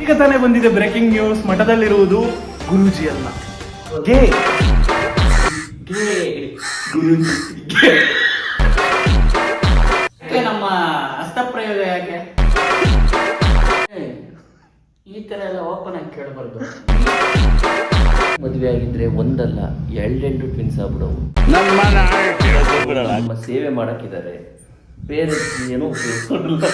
ಈಗ ತಾನೇ ಬಂದಿದೆ ಬ್ರೇಕಿಂಗ್ ನ್ಯೂಸ್. ಮಠದಲ್ಲಿರುವುದು ಗುರೂಜಿ ಅಲ್ಲ, ಗೇ ಗುರೂಜಿ. ನಮ್ಮ ಹಸ್ತಪ್ರಯೋಗ ಯಾಕೆ ಈ ತರ ಎಲ್ಲ ಓಪನ್ ಆಗಿ ಕೇಳಬಾರ್ದು. ಮದುವೆ ಆಗಿದ್ರೆ ಒಂದಲ್ಲ ಎರಡೆಂಟು ಟ್ವಿನ್ಸ್ ಆಗ್ಬಿಡವು. ನಮ್ಮ ಸೇವೆ ಮಾಡಕ್ಕಿದ್ದಾರೆ, ಬೇರೆ ಏನೂ ಉಪಯೋಗಿಸೋದಿಲ್ಲ.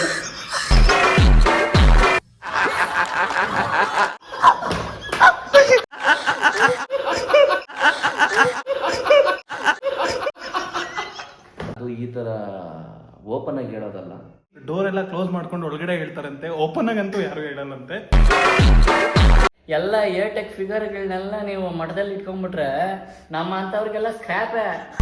ಅದು ಈ ತರ ಓಪನ್ ಆಗಿ ಹೇಳೋದಲ್ಲ. ಡೋರ್ ಎಲ್ಲ ಕ್ಲೋಸ್ ಮಾಡ್ಕೊಂಡು ಒಳಗಡೆ ಹೇಳ್ತಾರಂತೆ, ಓಪನ್ ಆಗಂತೂ ಯಾರು ಹೇಳಲ್ಲಂತೆ. ಎಲ್ಲ ಏರ್ಟೆಕ್ ಫಿಗರ್ಗಳನ್ನೆಲ್ಲ ನೀವು ಮಠದಲ್ಲಿ ಇಟ್ಕೊಂಡ್ಬಿಟ್ರೆ ನಮ್ಮ ಅಂತವ್ರಿಗೆಲ್ಲ ಸ್ಕ್ರ್ಯಾಪೇ.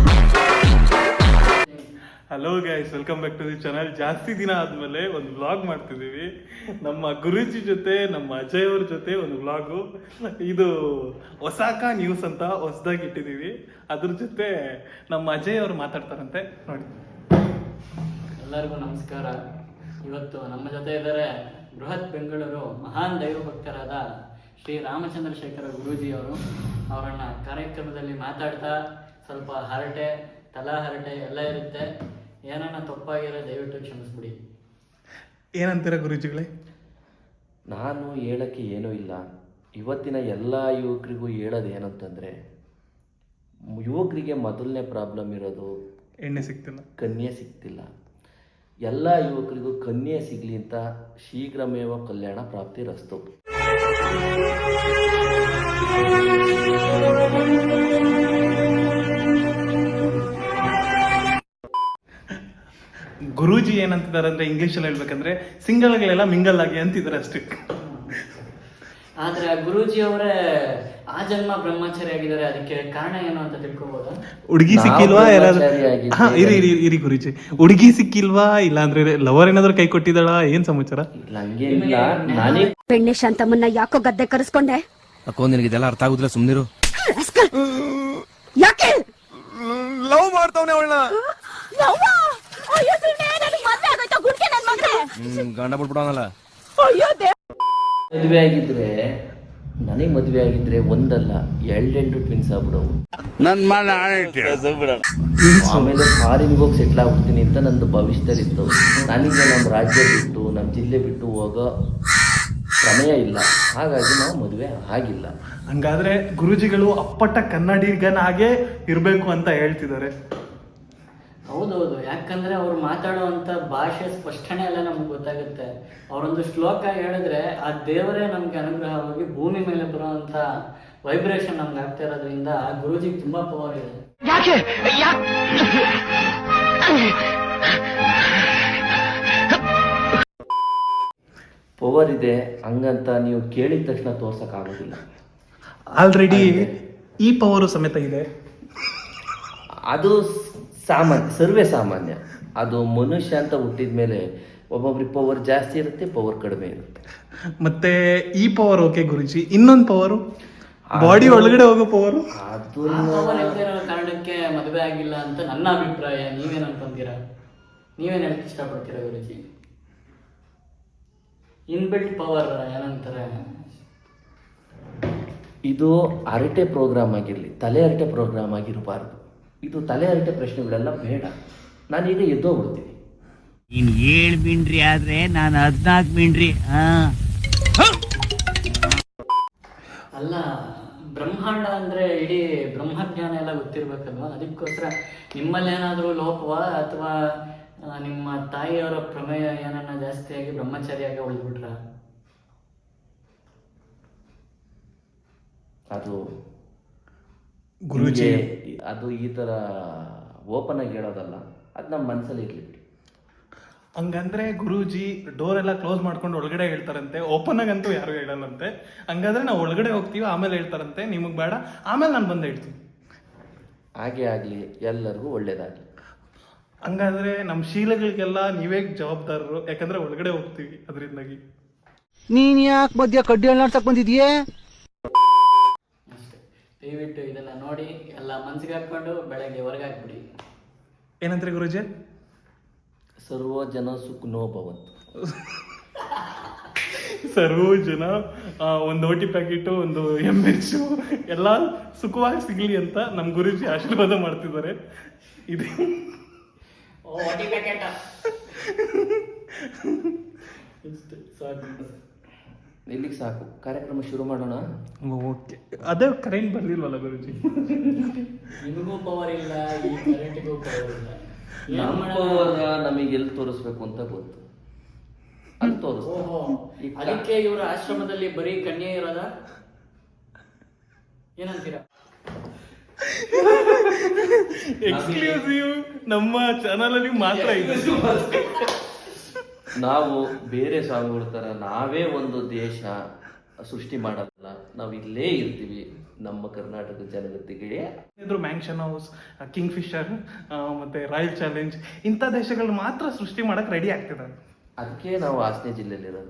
Hello guys, welcome back to the channel. ಜಾಸ್ತಿ ದಿನ ಆದ್ಮೇಲೆ ಒಂದು ವ್ಲಾಗ್ ಮಾಡ್ತಿದ್ದೀವಿ. ನಮ್ಮ ಗುರೂಜಿ ಜೊತೆ, ನಮ್ಮ ಅಜಯ್ ಅವ್ರ ಜೊತೆ ಒಂದು ವ್ಲಾಗು. ಇದು ಒಸಾಕ ನ್ಯೂಸ್ ಅಂತ ಹೊಸದಾಗಿ ಇಟ್ಟಿದ್ದೀವಿ. ಅದ್ರ ಜೊತೆ ನಮ್ಮ ಅಜಯ್ ಅವರು ಮಾತಾಡ್ತಾರಂತೆ, ನೋಡಿ. ಎಲ್ಲರಿಗೂ ನಮಸ್ಕಾರ. ಇವತ್ತು ನಮ್ಮ ಜೊತೆ ಇದ್ದಾರೆ ಬೃಹತ್ ಬೆಂಗಳೂರು ಮಹಾನ್ ದೈವ ಭಕ್ತರಾದ ಶ್ರೀ ರಾಮಚಂದ್ರಶೇಖರ ಗುರೂಜಿ ಅವರು. ಅವರನ್ನ ಕಾರ್ಯಕ್ರಮದಲ್ಲಿ ಮಾತಾಡ್ತಾ ಸ್ವಲ್ಪ ಹರಟೆ, ತಲಾ ಹರಟೆ ಎಲ್ಲ ಇರುತ್ತೆ. ಏನನ್ನ ತಪ್ಪಾಗಿರೋ ದಯವಿಟ್ಟು ಕ್ಷಮಿಸ್ಬಿಡಿ. ಏನಂತೀರ ಗುರೂಜಿಗಳೇ? ನಾನು ಹೇಳಕ್ಕೆ ಏನೂ ಇಲ್ಲ. ಇವತ್ತಿನ ಎಲ್ಲ ಯುವಕರಿಗೂ ಹೇಳೋದು ಏನಂತಂದರೆ, ಯುವಕರಿಗೆ ಮೊದಲನೇ ಪ್ರಾಬ್ಲಮ್ ಇರೋದು ಎಣ್ಣೆ ಸಿಗ್ತಿಲ್ಲ, ಕನ್ಯೆ ಸಿಗ್ತಿಲ್ಲ. ಎಲ್ಲ ಯುವಕರಿಗೂ ಕನ್ಯೆ ಸಿಗಲಿ ಅಂತ ಶೀಘ್ರಮೇವ ಕಲ್ಯಾಣ ಪ್ರಾಪ್ತಿ ರಸ್ತು. ಗುರೂಜಿ ಏನಂತಿದ್ದಾರೆ ಅಂದ್ರೆ, ಇಂಗ್ಲಿಷಲ್ಲಿ ಹೇಳ್ಬೇಕಂದ್ರೆ ಸಿಂಗಲ್ಗಳೆಲ್ಲ ಮಿಂಗಲ್ ಆಗಿ ಅಂತಿದ್ದಾರೆ ಅಷ್ಟೇ. ಆದ್ರೆ ಗುರೂಜಿ ಅವರೇ ಆ ಜನ್ಮ ಬ್ರಹ್ಮಚಾರಿ ಆಗಿದ್ದಾರೆ. ಅದಕ್ಕೆ ಕಾರಣ ಏನು ಅಂತ ತಿಳ್ಕೊಬೋದಾ? ಹುಡುಗಿ ಸಿಕ್ಕಿಲ್ವಾ? ಇರಿ ಗುರೂಜಿ, ಹುಡುಗಿ ಸಿಕ್ಕಿಲ್ವಾ, ಇಲ್ಲ ಅಂದ್ರೆ ಲವರ್ ಏನಾದ್ರು ಕೈ ಕೊಟ್ಟಿದ್ದಾಳ, ಏನ್ ಸಮಾಚಾರ? ಬೆಣ್ಣೆ ಶಾಂತಮ್ಮನ್ನ ಯಾಕೋ ಗದ್ದೆ ಕರೆಸ್ಕೊಂಡೆ? ಅಕ್ಕೋ ನಿನಗೆ ಇದೆಲ್ಲ ಅರ್ಥ ಆಗುದಿಲ್ಲ, ಸುಮ್ನಿರು. ಯಾಕೆ ಲವ್ ಮಾಡ್ತಾವನೆ ಅವಳನ್ನ? ಗಂಡ ಬಿಟ್ಬಿಡವನಲ್ಲ. ಮದುವೆ ಆಗಿದ್ರೆ, ನನಗೆ ಮದುವೆ ಆಗಿದ್ರೆ ಒಂದಲ್ಲ ಎರಡೆಂಟು ಟ್ವಿನ್ಸ್ ಆಗ್ಬಿಡವು. ಆಮೇಲೆ ಫಾರಿನ್ಗೆ ಹೋಗಿ ಸೆಟ್ಲ್ ಆಗ್ಬಿಡ್ತೀನಿ ಅಂತ ನಂದು ಭವಿಷ್ಯದಲ್ಲಿತ್ತು. ನನಗೆ ನಮ್ಮ ರಾಜ್ಯ ಬಿಟ್ಟು, ನಮ್ಮ ಜಿಲ್ಲೆ ಬಿಟ್ಟು ಹೋಗೋ ಪ್ರಮೇಯ ಇಲ್ಲ. ಹಾಗಾಗಿ ನಾವು ಮದುವೆ ಆಗಿಲ್ಲ. ಹಂಗಾದ್ರೆ ಗುರೂಜಿಗಳು ಅಪ್ಪಟ ಕನ್ನಡಿಗನಾಗೆ ಇರ್ಬೇಕು ಅಂತ ಹೇಳ್ತಿದ್ದಾರೆ. ಹೌದೌದು, ಯಾಕಂದ್ರೆ ಅವ್ರು ಮಾತಾಡುವಂತ ಭಾಷೆ ಸ್ಪಷ್ಟನೆ ಎಲ್ಲ ನಮ್ಗೆ ಗೊತ್ತಾಗುತ್ತೆ. ಅವರೊಂದು ಶ್ಲೋಕ ಹೇಳಿದ್ರೆ ಆ ದೇವರೇ ನಮ್ಗೆ ಅನುಗ್ರಹವಾಗಿ ಭೂಮಿ ಮೇಲೆ ಬರುವಂತ ವೈಬ್ರೇಷನ್ ನಮ್ಗೆ ಆಗ್ತಾ ಇರೋದ್ರಿಂದ ಆ ಗುರೂಜಿಗೆ ತುಂಬಾ ಪವರ್ ಇದೆ. ಪವರ್ ಇದೆ ಹಂಗಂತ ನೀವು ಕೇಳಿದ ತಕ್ಷಣ ತೋರ್ಸಕ್ಕಾಗೋದಿಲ್ಲ. ಆಲ್ರೆಡಿ ಈ ಪವರು ಸಮೇತ ಇದೆ. ಅದು ಸಾಮಾನ್ಯ, ಸರ್ವೇ ಸಾಮಾನ್ಯ. ಅದು ಮನುಷ್ಯ ಅಂತ ಹುಟ್ಟಿದ ಮೇಲೆ ಒಬ್ಬೊಬ್ರಿಗೆ ಪವರ್ ಜಾಸ್ತಿ ಇರುತ್ತೆ, ಪವರ್ ಕಡಿಮೆ ಇರುತ್ತೆ. ಮತ್ತೆ ಈ ಪವರ್ ಓಕೆ ಗುರುಜಿ, ಇನ್ನೊಂದು ಪವರು ಬಾಡಿ ಒಳಗಡೆ ಹೋಗೋ ಪವರು. ಅದು ಪವರ್ ಇರೋ ಕಾರಣಕ್ಕೆ ಮದುವೆ ಆಗಿಲ್ಲ ಅಂತ ನನ್ನ ಅಭಿಪ್ರಾಯ. ನೀವೇನ್ ಅನ್ಕೊಂತೀರಾ? ನೀವೇನ್ ಹೇಳಕ್ ಇಷ್ಟಪಡ್ತೀರಾ ಗುರುಜಿ? ಇನ್ಬಿಲ್ಟ್ ಪವರ್ ಏನಂತಾರೆ? ಇದು ಹರಟೆ ಪ್ರೋಗ್ರಾಮ್ ಆಗಿರಲಿ, ತಲೆ ಹರಟೆ ಪ್ರೋಗ್ರಾಮ್ ಆಗಿರಬಾರ್ದು. ಇದು ತಲೆ ಹರಟೆ ಪ್ರಶ್ನೆಗಳೆಲ್ಲ ಬೇಡ. ನಾನೀಗ ಎದ್ದೋಗ್ಬಿಡ್ತೀನಿ. ನೀನ್ 7 ಮಿಂಡ್ರಿ ಆದ್ರೆ ನಾನು 14 ಮಿಂಡ್ರಿ. ಅಲ್ಲ, ಬ್ರಹ್ಮಾಂಡ ಅಂದ್ರೆ ಇಡೀ ಬ್ರಹ್ಮಜ್ಞಾನ ಎಲ್ಲ ಗೊತ್ತಿರ್ಬೇಕಲ್ವಾ? ಅದಕ್ಕೋಸ್ಕರ ನಿಮ್ಮಲ್ಲಿ ಏನಾದರೂ ಲೋಪವಾ ಅಥವಾ ನಿಮ್ಮ ತಾಯಿಯವರ ಪ್ರಮೇಯ ಏನನ್ನ ಜಾಸ್ತಿಯಾಗಿ ಬ್ರಹ್ಮಚಾರಿಯಾಗಿ ಉಳಿದ್ಬಿಟ್ರ? ಅದು ಗುರೂಜಿ ಅದು ಈ ಥರ ಓಪನ್ ಆಗಿ ಹೇಳೋದಲ್ಲ, ಅದು ನಮ್ಮ ಮನಸ್ಸಲ್ಲಿ ಇರಲಿ. ಹಂಗಂದ್ರೆ ಗುರೂಜಿ ಡೋರ್ ಎಲ್ಲ ಕ್ಲೋಸ್ ಮಾಡ್ಕೊಂಡು ಒಳಗಡೆ ಹೇಳ್ತಾರಂತೆ, ಓಪನ್ ಆಗಂತೂ ಯಾರು ಹೇಳಲ್ಲಂತೆ. ಹಂಗಾದ್ರೆ ನಾವು ಒಳಗಡೆ ಹೋಗ್ತೀವಿ, ಆಮೇಲೆ ಹೇಳ್ತಾರಂತೆ ನಿಮಗೆ ಬೇಡ, ಆಮೇಲೆ ನಾನು ಬಂದು ಹೇಳ್ತೀನಿ. ಹಾಗೆ ಆಗಲಿ, ಎಲ್ಲರಿಗೂ ಒಳ್ಳೇದಾಗಲಿ. ಹಂಗಾದ್ರೆ ನಮ್ಮ ಶೀಲಗಳಿಗೆಲ್ಲ ನೀವೇ ಜವಾಬ್ದಾರರು, ಯಾಕಂದ್ರೆ ಒಳಗಡೆ ಹೋಗ್ತೀವಿ ಅದರಿಂದಾಗಿ. ನೀನ್ ಯಾಕೆ ಮಧ್ಯ ಕಡ್ಡಿ ಅಲ್ಲಾಡ್ಸಕ್ ಬಂದಿದ್ಯೇ? ಅಷ್ಟೇ, ದಯವಿಟ್ಟು ಇದನ್ನ ನೋಡಿ ಎಲ್ಲ ಮನ್ಸಿಗೆ ಹಾಕೊಂಡು ಬೆಳಗ್ಗೆ ಹೊರಗೆ ಹಾಕ್ಬಿಡಿ. ಏನಂತಾರೆ ಗುರೂಜಿ? ಸರ್ವ ಜನ ಸುಖನೋ ಭವಂತು. ಸರ್ವೂ ಜನ ಒಂದು ಓಟಿ ಪ್ಯಾಕೆಟು, ಒಂದು ಎಮ್ಮೆಚ್ಚು ಎಲ್ಲ ಸುಖವಾಗಿ ಸಿಗಲಿ ಅಂತ ನಮ್ಮ ಗುರೂಜಿ ಆಶೀರ್ವಾದ ಮಾಡ್ತಿದ್ದಾರೆ. ಇದೆ ಇಲ್ಲಿಗೆ ಸಾಕು, ಕಾರ್ಯಕ್ರಮ ಶುರು ಮಾಡೋಣ. ಓಕೆ. ಅದೇ ಕರೆಂಟ್ ಬರ್ಲಿಲ್ವಲ್ಲ ಗುರೂಜಿ? ನಿಮಗೂ ಪವರ್ ಇಲ್ಲ, ಈ ಕರೆಂಟಿಗೂ ಪವರ್ ಇಲ್ಲ. ನಮಗೆ ಎಲ್ಲಿ ತೋರಿಸ್ಬೇಕು ಅಂತ ಗೊತ್ತು, ಅಲ್ಲಿ ತೋರಿಸ್. ಓಹೋ, ಅದಕ್ಕೆ ಇವ್ರ ಆಶ್ರಮದಲ್ಲಿ ಬರೀ ಕನ್ಯೆ ಇರೋದ? ಏನಂತೀರಾ? ಎಕ್ಸ್ಕ್ಲೂಸಿವ್ ನಮ್ಮ ಚಾನಲ್ ಅಲ್ಲಿ ಮಾತ್ರ ಇದೆ. ನಾವು ಬೇರೆ ಸ್ವಾಮಿಗಳ ತರ ನಾವೇ ಒಂದು ದೇಶ ಸೃಷ್ಟಿ ಮಾಡಲ್ಲ, ನಾವು ಇಲ್ಲೇ ಇರ್ತೀವಿ ನಮ್ಮ ಕರ್ನಾಟಕ ಜನಗತಿಗೆ. ಇದ್ರು ಮ್ಯಾನ್ಷನ್ ಹೌಸ್, ಕಿಂಗ್ ಫಿಶರ್, ಮತ್ತೆ ರಾಯಲ್ ಚಾಲೆಂಜ್ ಇಂಥ ದೇಶಗಳು ಮಾತ್ರ ಸೃಷ್ಟಿ ಮಾಡಕ್ ರೆಡಿ ಆಗ್ತಿದ್ದಾರೆ. ಅದಕ್ಕೆ ನಾವು ಹಾಸನ ಜಿಲ್ಲೆಯಲ್ಲಿರೋದು.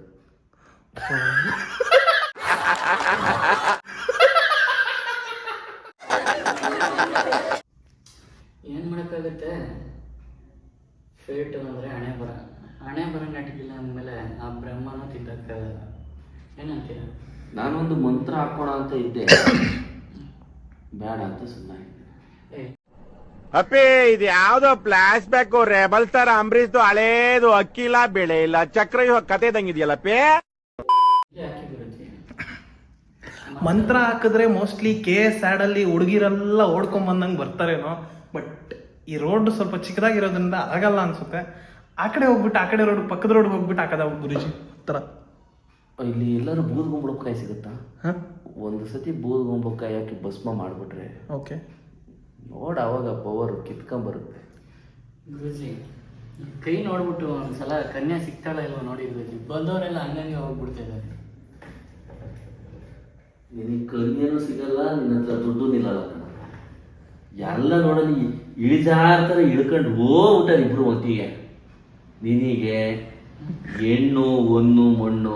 ಏನ್ ಮಾಡಕ್ಕಾಗತ್ತೆ, ಫೇಟ್ ಅಂದ್ರೆ ಹಣೆ ಬರ ನಟಿಗಿಲ್ಲ ಅಂದಮೇಲೆ ಆ ಬ್ರಹ್ಮನೂ ತಿದ್ದಕ್ಕಾಗಲ್ಲ. ಏನಂತೀರ? ನಾನೊಂದು ಮಂತ್ರ ಹಾಕೋಣ ಅಂತ ಇದ್ದೆ, ಬೇಡ ಅಂತ ಸುಮ್ಮನೆ. ಅಪ್ಪಿ ಇದು ಯಾವ್ದೋ ಫ್ಲಾಶ್ ಬ್ಯಾಕ್ ರೆಬಲ್ ಸ್ಟಾರ್ ಅಂಬರೀಶ್ದು ಹಳೇದು, ಅಕ್ಕಿಲ್ಲ ಬೆಳೆ ಇಲ್ಲ ಚಕ್ರ ಕತೆ ಇದಂಗಿದೆಯಲ್ಲಪ್ಪಿ. ಯಾಕೆ ಗುರುಜಿ? ಮಂತ್ರ ಹಾಕಿದ್ರೆ ಮೋಸ್ಟ್ಲಿ KS ಆಡ್ ಅಲ್ಲಿ ಹುಡುಗಿರೆಲ್ಲ ಓಡ್ಕೊಂಡ್ ಬಂದಂಗೆ ಬರ್ತಾರೇನೋ. ಬಟ್ ಈ ರೋಡ್ ಸ್ವಲ್ಪ ಚಿಕ್ಕದಾಗಿರೋದ್ರಿಂದ ಆಗಲ್ಲ ಅನ್ಸುತ್ತೆ. ಆ ಕಡೆ ಹೋಗ್ಬಿಟ್ಟು, ಆ ಕಡೆ ರೋಡ್, ಪಕ್ಕದ ರೋಡ್ ಹೋಗ್ಬಿಟ್ಟು ಹಾಕದ ಗುರುಜಿ ತರ. ಇಲ್ಲಿ ಎಲ್ಲರೂ ಬೂದ್ಗುಂಬಳಕಾಯಿ ಸಿಗುತ್ತಾ? ಒಂದು ಸತಿ ಬೂದ್ಗುಂಬಳಕಾಯಿ ಹಾಕಿ ಭಸ್ಮ ಮಾಡ್ಬಿಟ್ರೆ ಓಕೆ, ನೋಡ ಅವಾಗ ಪವರ್ ಕಿತ್ಕೊಂಡ್ಬರುತ್ತೆ. ಗುರುಜಿ ಕೈ ನೋಡ್ಬಿಟ್ಟು ಒಂದ್ಸಲ ಕನ್ಯಾ ಸಿಗ್ತಾಳ ಇಲ್ವ ನೋಡಿ ಗುರುಜಿ. ಬಂದವರೆಲ್ಲ ಹಂಗಂಗೆ ಹೋಗ್ಬಿಡ್ತಾ ಇದ್ದಾರೆ. ನಿನಗೆ ಕನ್ಯನೂ ಸಿಗಲ್ಲ, ನಿನ್ನ ಹತ್ರ ದುಡ್ಡು ನಿಲ್ಲಲ್ಲ ಕಣ. ಎಲ್ಲ ನೋಡಲಿ ಇಳಿಜಾರ್ತರ ಇಳ್ಕೊಂಡು ಹೋಗ್ಬಿಟ್ಟ ಇಬ್ರು ಒಟ್ಟಿಗೆ. ನಿನಗೆ ಹೆಣ್ಣು ಹೊನ್ನು ಮಣ್ಣು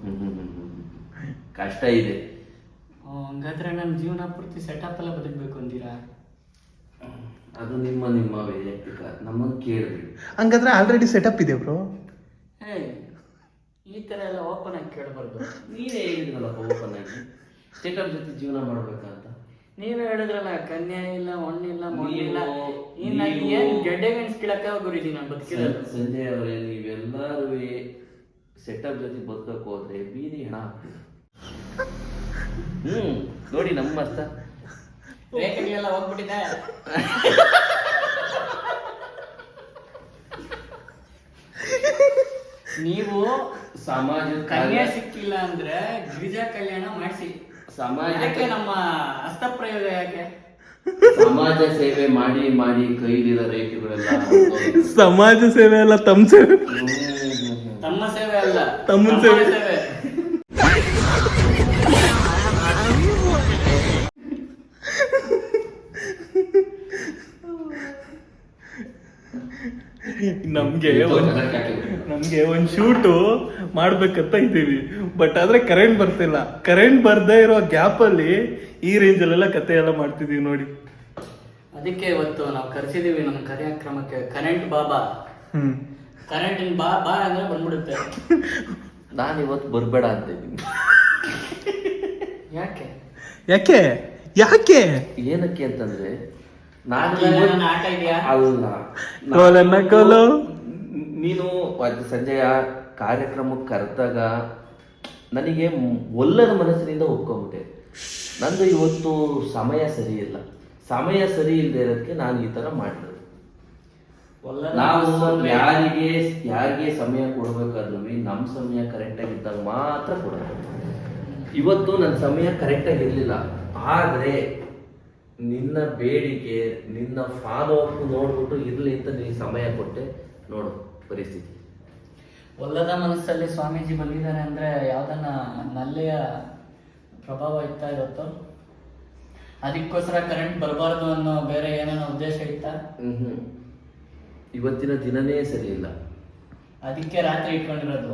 ಕಷ್ಟ ಇದೆ. ಹಂಗಾದ್ರೆ ನನ್ನ ಜೀವನ ಪೂರ್ತಿ ಸೆಟಪ್ ಎಲ್ಲ ಬದುಕಬೇಕು ಅಂತೀರಾ? ಅದು ನಿಮ್ಮ ವೈಯಕ್ತಿಕ, ನಮ್ಮನ್ನು ಕೇಳಬೇಡಿ. ಹಂಗಾದ್ರೆ ಆಲ್ರೆಡಿ ಸೆಟಪ್ ಇದೆ ಬ್ರೋ. ಈ ತರ ಎಲ್ಲ ಓಪನ್ ಆಗಿ ಕೇಳಬಾರ್ದು. ನೀವೇ ಹೇಳಿದ್ರಲ್ಲಪ್ಪ ಓಪನ್ ಆಗಿ ಸ್ಟೇಟಪ್ ಜೊತೆ ಜೀವನ ಮಾಡ್ಬೇಕಂತ. ನೀವೇ ಹೇಳಿದ್ರಲ್ಲ ಕನ್ಯಾ ಇಲ್ಲ, ಮಣ್ಣಿಲ್ಲ, ಮಣ್ಣಿಲ್ಲ. ಇನ್ನು ಏನ್ ಗೆಡ್ಡೆ ಮೆಣಸ್ಕಿಳಕ್ಕ ಗುರುಜಿ ನಾನು ಬದುಕಿರೋದು. ಸಂಜಯ್ ಅವರೇ, ನೀವೆಲ್ಲರೂ ಸೆಟಪ್ ಜೊತೆ ಬದುಕಕ್ಕೆ ಹೋದ್ರೆ ಬೀದಿ ಹೆಣ ಆಗ್ತದೆ. ನೋಡಿ ನಮ್ಮ ಮಸ್ತ ರೇಖೆಗಳೆಲ್ಲ ಹೋಗ್ಬಿಟ್ಟಿದೆ. ನೀವು ಸಮಾಜ ಕನ್ಯಾ ಸಿಕ್ಕಿಲ್ಲ ಅಂದ್ರೆ ಗಿರಿಜಾ ಕಲ್ಯಾಣ ಮಾಡಿಸಿ. ಸಮಾಜಕ್ಕೆ ನಮ್ಮ ಹಸ್ತಪ್ರಯೋಗ ಯಾಕೆ? ಸಮಾಜ ಸೇವೆ ಮಾಡಿ ಮಾಡಿ ಕೈಲಿರೋ ರೇಖೆಗಳೆಲ್ಲ ಸಮಾಜ ಸೇವೆ ಅಲ್ಲ, ತಮ್ಮ ಸೇವೆ. ತಮ್ಮ ಸೇವೆ ಅಲ್ಲ, ತಮ್ಮನ ಸೇವೆ. ನಮ್ಗೆ ಒಂದ್ ಶೂಟು ಮಾಡ್ಬೇಕಂತ ಇದ್ದೀವಿ. ಬಟ್ ಆದ್ರೆ ಕರೆಂಟ್ ಬರ್ತಿಲ್ಲ. ಕರೆಂಟ್ ಬರ್ದೇ ಇರೋ ಗ್ಯಾಪ್ ಅಲ್ಲಿ ಈ ರೇಂಜ್ ಅಲ್ಲೆಲ್ಲ ಕತೆ ಎಲ್ಲ ಮಾಡ್ತಿದೀವಿ ನೋಡಿ. ಅದಕ್ಕೆ ಇವತ್ತು ನಾವು ಕರೆಸಿದೀವಿ ನಮ್ಮ ಕಾರ್ಯಕ್ರಮಕ್ಕೆ ಕರೆಂಟ್ ಬಾಬಾ. ಕರೆಂಟ್ ಬಾ ಬಾ ಅಂದ್ರೆ ಬಂದ್ಬಿಡುತ್ತೆ. ನಾನು ಇವತ್ತು ಬರ್ಬೇಡ ಅಂತ ಇದ್ದೀನಿ. ಯಾಕೆ ಯಾಕೆ ಯಾಕೆ ಏನಕ್ಕೆ ಅಂತಂದ್ರೆ ಆಟ ಇದೆಯಾ? ಅಲ್ಲ, ನೀನು ಸಂಜೆಯ ಕಾರ್ಯಕ್ರಮಕ್ಕೆ ಕರೆದಾಗ ನನಗೆ ಒಲ್ಲದ ಮನಸ್ಸಿನಿಂದ ಒಪ್ಕೊಂಡ್ಬಿಟ್ಟೆ. ನಂದು ಇವತ್ತು ಸಮಯ ಸರಿ ಇಲ್ಲ. ಸಮಯ ಸರಿ ಇಲ್ಲದೆ ಇರೋದಕ್ಕೆ ನಾನು ಈ ತರ ಮಾಡಿರೋದು. ನಾವು ಯಾರಿಗೆ ಸಮಯ ಕೊಡ್ಬೇಕಾದ್ರೂ ನಮ್ಮ ಸಮಯ ಕರೆಕ್ಟಾಗಿ ಇದ್ದಾಗ ಮಾತ್ರ ಕೊಡೋದು. ಇವತ್ತು ನನ್ನ ಸಮಯ ಕರೆಕ್ಟಾಗಿ ಇರಲಿಲ್ಲ. ಆದರೆ ನಿನ್ನ ಬೇಡಿಕೆ, ನಿನ್ನ ಫಾಲೋ ಅಪ್ ನೋಡ್ಬಿಟ್ಟು ಇರಲಿ ಅಂತ ನೀನು ಸಮಯ ಕೊಟ್ಟೆ. ನೋಡು ಪರಿಸ್ಥಿತಿ. ಒಲ್ಲದ ಮನಸ್ಸಲ್ಲಿ ಸ್ವಾಮೀಜಿ ಬಂದಿದ್ದಾರೆ ಅಂದ್ರೆ ಯಾವ್ದನ್ನ ನಲ್ಲೆಯ ಪ್ರಭಾವ ಇತ್ತಾ ಇರುತ್ತೋ ಅದಕ್ಕೋಸ್ಕರ ಕರೆಂಟ್ ಬರಬಾರ್ದು ಅನ್ನೋ ಬೇರೆ ಏನೇನೋ ಉದ್ದೇಶ ಇತ್ತಾ? ಇವತ್ತಿನ ದಿನನೇ ಸರಿ ಇಲ್ಲ, ಅದಕ್ಕೆ ರಾತ್ರಿ ಇಟ್ಕೊಂಡಿರೋದು.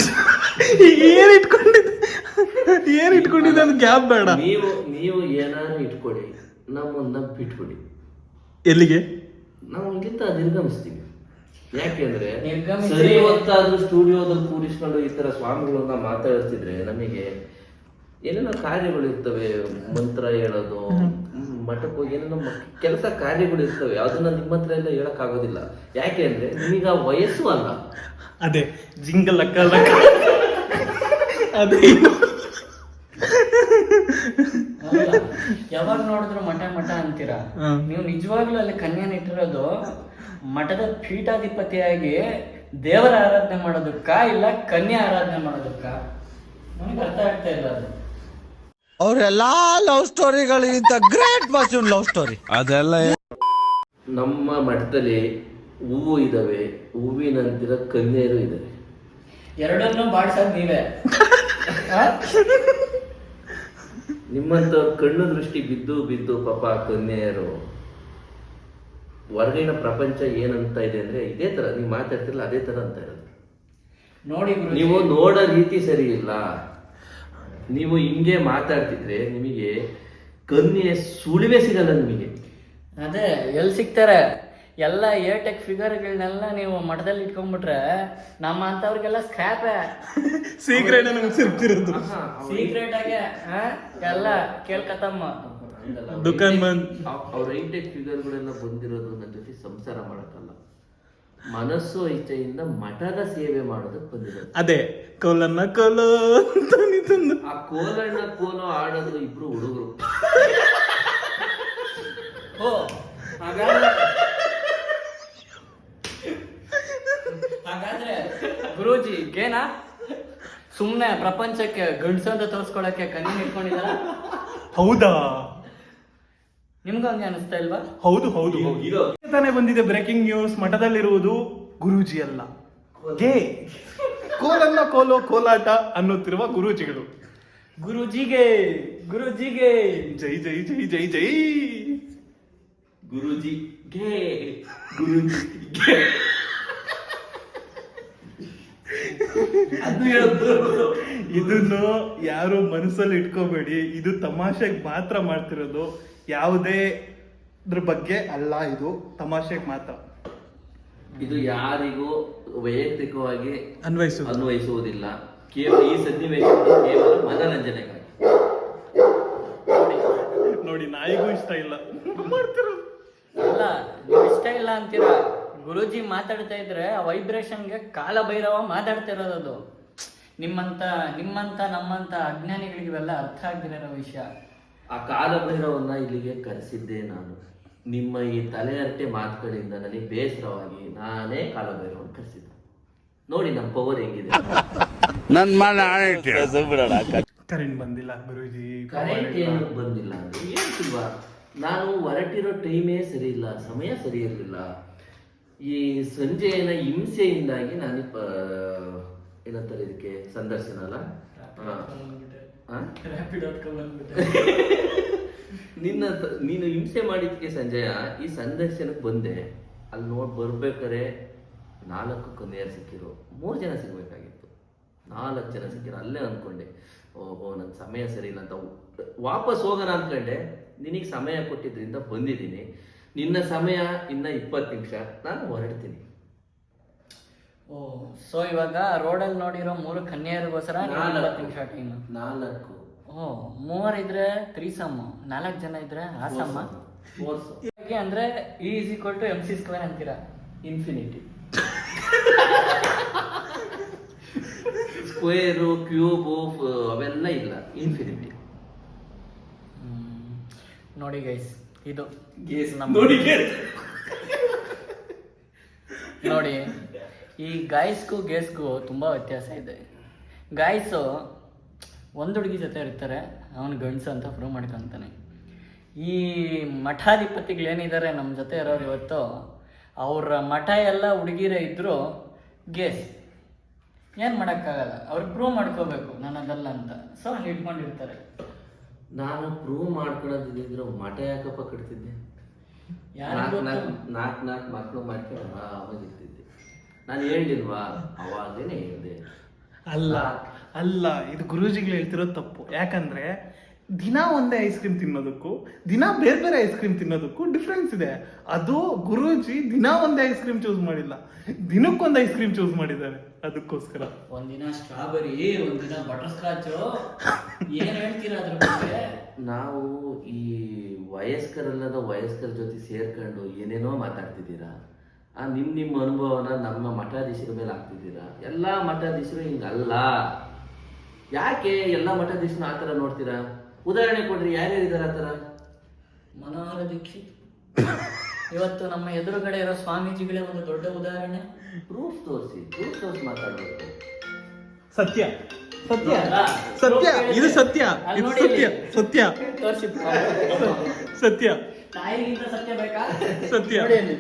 ಏನ್ ಇಟ್ಕೊಂಡಿದ್ದೆ ಅದು ಗ್ಯಾಪ್ ಬೇಡ. ನೀವು ಏನಾದ್ರು ಇಟ್ಕೊಡಿ, ನಮ್ಮನ್ನ ಬಿಟ್ಬಿಡಿ. ಎಲ್ಲಿಗೆ? ನಾವು ಇಲ್ಲಿಂದ ನಿರ್ಗಮಿಸ್ತೀವಿ. ಯಾಕೆಂದ್ರೆ ನಿರ್ಗಮಿಸಿ- ಸರಿ ಹೊತ್ತಾದ್ರೂ ಸ್ಟುಡಿಯೋದಲ್ಲಿ ಕೂರಿಸ್ಕೊಂಡು ಈ ತರ ಸ್ವಾಮಿಗಳನ್ನ ಮಾತಾಡಿಸ್ತಿದ್ರೆ ನಮಗೆ ಏನೇನೋ ಕಾರ್ಯಗಳು ಇರ್ತವೆ, ಮಂತ್ರ ಹೇಳೋದು, ಮಠಕ್ಕೆ ಹೋಗಿ ಏನೇನೋ ಕೆಲಸ ಕಾರ್ಯಗಳು ಇರ್ತವೆ, ಅದನ್ನ ನಿಮ್ಮ ಹತ್ರ ಎಲ್ಲ ಹೇಳಕ್ ಆಗೋದಿಲ್ಲ. ಯಾಕೆ ಅಂದ್ರೆ ನಿಮಗ ವಯಸ್ಸು ಅಲ್ಲ. ಅದೇ ಜಿಂಗಲ್ ಲಕ್ಕ ಅದೇ ಅಲ್ಲ, ಯಾವಾಗ ನೋಡಿದ್ರು ಮಠ ಮಠ ಅಂತೀರಾ. ನೀವು ನಿಜವಾಗ್ಲೂ ಅಲ್ಲಿ ಕನ್ಯಾನ ಇಟ್ಟಿರೋದು ಮಠದ ಪೀಠಾಧಿಪತಿಯಾಗಿ ದೇವರ ಆರಾಧನೆ ಮಾಡೋದಕ್ಕ ಇಲ್ಲ ಕನ್ಯಾ ಆರಾಧನೆ ಮಾಡೋದಕ್ಕ? ನನಗೆ ಅರ್ಥ ಆಗ್ತಾ ಇಲ್ಲ ಅದು. ಅವರೆಲ್ಲಾ ಲವ್ ಸ್ಟೋರಿಗಳಿಗಿಂತ ಗ್ರೇಟ್ ಬಾಸ್ ಲವ್ ಸ್ಟೋರಿ. ಅದೆಲ್ಲ ನಮ್ಮ ಮಠದಲ್ಲಿ ಹೂವು ಇದಾವೆ, ಹೂವಿನಂತಿರೋ ಕನ್ಯೆಯರು ಇದಾವೆ. ಎರಡನ್ನೂ ಬಾಡ್ಸೋದ್ ನೀವೇ. ಆ? ನಿಮ್ಮಂತವ್ರ ಕಣ್ಣು ದೃಷ್ಟಿ ಬಿದ್ದು ಬಿದ್ದು ಪಾಪ ಕನ್ಯೆಯರು ಹೊರಗಿನ ಪ್ರಪಂಚ ಏನಂತ ಇದೆ ಅಂದ್ರೆ ಇದೇ ತರ ನೀವು ಮಾತಾಡ್ತಿರಲ್ಲ ಅದೇ ತರ ಅಂತ ಇರೋದು. ನೋಡಿ ಗುರೂಜಿ, ನೀವು ನೋಡೋ ರೀತಿ ಸರಿ ಇಲ್ಲ. ನೀವು ಹಿಂಗೆ ಮಾತಾಡ್ತಿದ್ರೆ ನಿಮಗೆ ಕನ್ಯೆ ಸುಳಿವೆ ಸಿಗಲ್ಲ ನಿಮಗೆ. ಅದೇ ಎಲ್ಲಿ ಸಿಗ್ತಾರೆ? ಎಲ್ಲ ಏಟೆಕ್ ಫಿಗರ್ಗಳನ್ನೆಲ್ಲ ನೀವು ಮಠದಲ್ಲಿ ಇಟ್ಕೊಂಡ್ಬಿಟ್ರೆ ನಮ್ಮ ಅಂತವ್ರಿಗೆಲ್ಲ ಸ್ಕ್ರಾಪ್ ಸೀಕ್ರೆಟ್ ನಮ್ಗೆ ಸಿಗ್ತಿರೋದು. ಸೀಕ್ರೆಟ್ ಆಗಿ ಎಲ್ಲ ಕೇಳ್ಕತ್ತಮ್ಮ. ದುಕಾನ್ ಬಂದ್ ಅವ್ರ ಹೈಟೆಕ್ ಫಿಗರ್ಗಳೆಲ್ಲ ಬಂದಿರೋದು ನನ್ನ ಜೊತೆ ಸಂಸಾರ ಮಾಡಕ್ಕಲ್ಲ, ಮನಸ್ಸು ಇಚ್ಛೆಯಿಂದ ಮಠದ ಸೇವೆ ಮಾಡೋದಕ್ಕೆ ಬಂದಿರೋದು. ಅದೇ ಕೋಲನ್ನ ಕೋಲು ಅಂತ ನಿಂತಂದು. ಆ ಕೋಲಣ್ಣ ಕೋಲು ಆಡೋದು ಇಬ್ರು ಹುಡುಗರು. ಓ ಹಾಗಾದ್ರೆ ಗುರೂಜಿ ಗೇನಾ ಸುಮ್ನೆ ಪ್ರಪಂಚಕ್ಕೆ ಗಂಡ್ಸು ಅಂತ ತೋರ್ಸ್ಕೊಳಕ್ಕೆ ಕಣ್ಣು ಇಟ್ಕೊಂಡಿದಾರ? ಹೌದಾ? ನಿಮ್ಗೂ ಹಂಗೆ ಅನಿಸ್ತಾ ಇಲ್ವಾ? ಹೌದು ಹೌದು ಹೌದು. ತಾನೇ ಬಂದಿದೆ ಬ್ರೇಕಿಂಗ್ ನ್ಯೂಸ್. ಮಠದಲ್ಲಿರುವುದು ಗುರೂಜಿ ಅಲ್ಲ, ಗೇ ಕೋಲನ್ನ ಕೋಲು ಕೋಲಾಟ ಅನ್ನುತ್ತಿರುವ ಗುರೂಜಿಗಳು. ಗುರೂಜಿಗೆ ಗುರೂಜಿಗೆ ಜೈ ಜೈ ಜೈ ಜೈ ಜೈ. ಗುರೂಜಿ ಗೆ ಗುರೂಜಿ ಗೆ ಅದು ಹೇಳಿದ್ರು. ಇದನ್ನು ಯಾರು ಮನಸ್ಸಲ್ಲಿ ಇಟ್ಕೋಬೇಡಿ, ಇದು ತಮಾಷೆಗೆ ಮಾತ್ರ ಮಾಡ್ತಿರೋದು, ಯಾವುದೇ ಬಗ್ಗೆ ಅಲ್ಲ, ಇದು ತಮಾಷೆಗೆ ಮಾತ್ರ. ಇದು ಯಾರಿಗೂ ವೈಯಕ್ತಿಕವಾಗಿ ಅನ್ವಯಿಸುವುದಿಲ್ಲ. ಕೇವಲ ಈ ಸನ್ನಿವೇಶ ಕೇವಲ ಮನರಂಜನೆಗಾಗಿ. ನೋಡಿ, ನಾಯಿಗೂ ಇಷ್ಟ ಇಲ್ಲ ಮಾಡ್ತಿರೋದು. ಅಲ್ಲ, ನೀವು ಇಷ್ಟ ಇಲ್ಲ ಅಂತೀರಾ. ಗುರೂಜಿ ಮಾತಾಡ್ತಾ ಇದ್ರೆ ಆ ವೈಬ್ರೇಷನ್ಗೆ ಕಾಲ ಭೈರವ ಮಾತಾಡ್ತಿರೋದು. ಅದು ನಿಮ್ಮಂತ ನಮ್ಮಂತ ಅಜ್ಞಾನಿಗಳಿಗೆ ಇವೆಲ್ಲ ಅರ್ಥ ಆಗದಿರೋ ವಿಷಯ. ಆ ಕಾಲಭೈರವನ್ನ ಇಲ್ಲಿಗೆ ಕರೆಸಿದ್ದೆ ನಾನು. ನಿಮ್ಮ ಈ ತಲೆಹರಟೆ ಮಾತುಗಳಿಂದ ನನಗೆ ಬೇಸರವಾಗಿ ನಾನೇ ಕಾಲಭೈರವನ್ನ ಕರೆಸಿದ್ದೆ. ನೋಡಿ ನಮ್ಮ ಪವರ್ ಹೆಂಗಿದೆ. ಕರೆಂಟ್ ಬಂದಿಲ್ಲ ಗುರೂಜಿ. ಕರೆಂಟ್ ಏನು ಬಂದಿಲ್ಲ ಅಂದ್ರೆ ಹೇಳ್ತಿಲ್ವಾ, ನಾನು ಹೊರಟಿರೋ ಟೈಮೇ ಸರಿ ಇಲ್ಲ, ಸಮಯ ಸರಿ ಇರಲಿಲ್ಲ. ಈ ಸಂಜೆಯ ಹಿಂಸೆಯಿಂದಾಗಿ ನಾನು ಏನಂತಾರೆ ಇದಕ್ಕೆ ಸಂದರ್ಶನ ಅಲ್ಲ, ನೀನು ಹಿಂಸೆ ಮಾಡಿದ್ಕೆ ಸಂಜಯ ಈ ಸಂದರ್ಶನಕ್ಕೆ ಬಂದೆ. ಅಲ್ಲಿ ಬರ್ಬೇಕಾರೆ 4 ಕನ್ಯೆಯರು ಸಿಕ್ಕಿರು, 3 ಜನ ಸಿಗ್ಬೇಕಾಗಿತ್ತು, 4 ಜನ ಸಿಕ್ಕಿರು. ಅಲ್ಲೇ ಅಂದ್ಕೊಂಡೆ, ಓಹೋ ನನ್ನ ಸಮಯ ಸರಿ ಇಲ್ಲ ಅಂತ ವಾಪಸ್ ಹೋಗೋಣ ಅಂದ್ಕೊಂಡೆ. ನಿನಗೆ ಸಮಯ ಕೊಟ್ಟಿದ್ರಿಂದ ಬಂದಿದ್ದೀನಿ. ನಿನ್ನ ಸಮಯ ಇನ್ನ 20 ನಿಮಿಷ, ನಾನು ಹೊರಡ್ತೀನಿ. ಓ, ಸೊ ಇವಾಗ ರೋಡಲ್ಲಿ ನೋಡಿರೋ 3 ಕನ್ಯೆಯರಿಗೋಸ್ಕರ 20 ನಿಮಿಷ ಟೈಮ್. 4 ಓ, 3 ಇದ್ರೆ 3 4 ಜನ ಇದ್ರೆ ಆಸಮ್ಮ. ಅಂದ್ರೆ E = MC² ಅಂತೀರಾ? ಇನ್ಫಿನಿಟಿ. ಸ್ಕ್ವೇರು ಕ್ಯೂಬು ಅವೆಲ್ಲ ಇಲ್ಲ, ಇನ್ಫಿನಿಟಿ. ನೋಡಿ ಗೈಸ್, ಇದು ನೋಡಿ, ಈ ಗಾಯ್ಸ್ಗೂ ಗೇಸ್ಗೂ ತುಂಬ ವ್ಯತ್ಯಾಸ ಇದೆ. ಗಾಯ್ಸು ಒಂದು ಹುಡುಗಿ ಜೊತೆ ಇರ್ತಾರೆ, ಅವನು ಗಂಡಸು ಅಂತ ಪ್ರೂವ್ ಮಾಡ್ಕೊತಾನೆ. ಈ ಮಠಾಧಿಪತಿಗಳೇನಿದ್ದಾರೆ ನಮ್ಮ ಜೊತೆ ಇರೋರು ಇವತ್ತು, ಅವ್ರ ಮಠ ಎಲ್ಲ ಹುಡುಗಿರೇ ಇದ್ದರೂ ಗೇಸ್ ಏನು ಮಾಡೋಕ್ಕಾಗಲ್ಲ, ಅವ್ರಿಗೆ ಪ್ರೂವ್ ಮಾಡ್ಕೋಬೇಕು ನಾನು ಅದಲ್ಲ ಅಂತ. ಸೊ ಹಂಗೆ ಇಟ್ಕೊಂಡಿರ್ತಾರೆ. ನಾನು ಪ್ರೂವ್ ಮಾಡ್ಕೊಳ್ಳೋದಿದ್ರೆ ಮಠ ಯಾಕಪ್ಪ ಕಟ್ತಿದ್ದೆ? ನಾಲ್ಕು ಮಕ್ಕಳು ಮಾಡ್ಕೊಂಡು ಆರಾಮಾಗಿರ್ತಿದ್ದೆ. ನಾನು ಹೇಳಿಲ್ವಾ, ಅವಾಗೇನೆ ಹೇಳಿದೆ. ಅಲ್ಲ, ಇದು ಗುರೂಜಿಗಳು ಹೇಳ್ತಿರೋದು ತಪ್ಪು. ಯಾಕಂದ್ರೆ ದಿನ ಒಂದೇ ಐಸ್ ಕ್ರೀಮ್ ತಿನ್ನೋದಕ್ಕೂ ದಿನ ಬೇರೆ ಬೇರೆ ಐಸ್ ಕ್ರೀಮ್ ತಿನ್ನೋದಕ್ಕೂ ಡಿಫ್ರೆನ್ಸ್ ಇದೆ. ಅದು ಗುರೂಜಿ ದಿನ ಒಂದೇ ಐಸ್ ಕ್ರೀಮ್ ಚೂಸ್ ಮಾಡಿಲ್ಲ, ದಿನಕ್ಕೊಂದು ಐಸ್ ಕ್ರೀಮ್ ಚೂಸ್ ಮಾಡಿದ್ದಾರೆ. ಅದಕ್ಕೋಸ್ಕರ ಒಂದಿನ ಸ್ಟ್ರಾಬೆರಿ, ಒಂದಿನ ಬಟರ್ ಸ್ಕಾಚ್. ಏನ್ ಹೇಳ್ತೀರಾ ಅದ್ರ ಬಗ್ಗೆ? ನಾವು ಈ ವಯಸ್ಕರಲ್ಲದ ವಯಸ್ಕರ ಜೊತೆ ಸೇರ್ಕೊಂಡು ಏನೇನೋ ಮಾತಾಡ್ತಿದ್ದೀರಾ. ನಿಮ್ಮ ಅನುಭವನ ನಮ್ಮ ಮಠಾಧೀಶರ ಮೇಲೆ ಹಾಕ್ತಿದ್ದೀರಾ. ಎಲ್ಲ ಮಠಾಧೀಶರು ಹಿಂಗಲ್ಲ. ಯಾಕೆ ಎಲ್ಲ ಮಠಾಧೀಶನ ಆ ಥರ ನೋಡ್ತೀರಾ? ಉದಾಹರಣೆ ಕೊಡ್ರಿ, ಯಾರ್ಯಾರಿದ್ದಾರೆ ಆ ಥರ? ಮನೋಹರ ದೀಕ್ಷಿತ್ ಇವತ್ತು ನಮ್ಮ ಎದುರುಗಡೆ ಇರೋ ಸ್ವಾಮೀಜಿಗಳೇ ಒಂದು ದೊಡ್ಡ ಉದಾಹರಣೆ. ಪ್ರೂಫ್ ತೋರಿಸಿ ಮಾತಾಡ್ಬೇಕು. ಸತ್ಯ ಸತ್ಯ ಅಲ್ಲ? ಸತ್ಯ, ಇದು ಸತ್ಯ, ಅಲ್ಲಿ ಇದು ನೋಡಿ ಸತ್ಯ ಇಲ್ಲಿ. ಸತ್ಯ ತೋರ್ಸಿ. ಸತ್ಯ ತಾಯಿಗಿಂತ ಸತ್ಯ ಬೇಕಾ? ಸತ್ಯ. ನೋಡಿ ಅಲ್ಲಿ.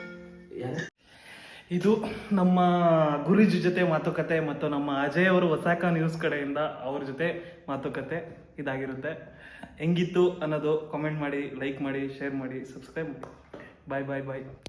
ಇದು ನಮ್ಮ ಗುರೂಜಿ ಜೊತೆ ಮಾತುಕತೆ ಮತ್ತು ನಮ್ಮ ಅಜಯ್ ಅವರು ಒಸಾಕ ನ್ಯೂಸ್ ಕಡೆಯಿಂದ ಅವ್ರ ಜೊತೆ ಮಾತುಕತೆ ಇದಾಗಿರುತ್ತೆ. ಹೆಂಗಿತ್ತು ಅನ್ನೋದು ಕಾಮೆಂಟ್ ಮಾಡಿ, ಲೈಕ್ ಮಾಡಿ, ಶೇರ್ ಮಾಡಿ, ಸಬ್ಸ್ಕ್ರೈಬ್ ಮಾಡಿ. ಬಾಯ್ ಬಾಯ್ ಬಾಯ್.